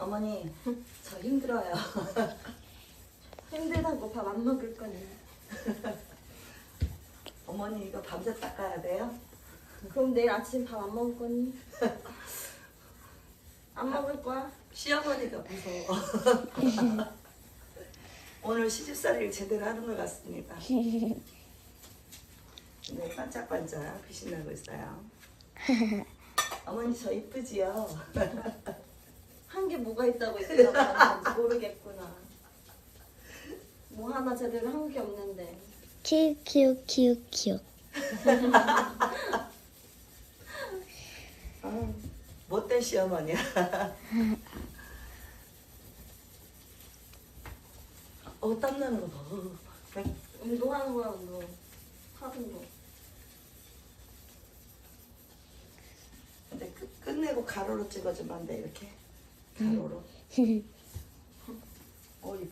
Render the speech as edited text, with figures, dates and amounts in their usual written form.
어머니, 저 힘들어요. 힘들다고 밥 안 먹을 거니. 어머니 이거 밤새 닦아야 돼요? 그럼 내일 아침 밥 안 먹을 거니? 안 먹을 거야? 시어머니가 무서워. 오늘 시집살이를 제대로 하는 것 같습니다. 네, 반짝반짝 빛이 나고 있어요. 어머니 저 이쁘지요? 한 게 뭐가 있다고 있구나. 모르겠구나. 뭐 하나 제대로 한 게 없는데. 키읔. 아, 못된 시어머니야. 땀나는 거 봐. 운동하는 거야, 운동. 하는 거. 근데 끝내고 가로로 찍어주면 안 돼, 이렇게? 가로로.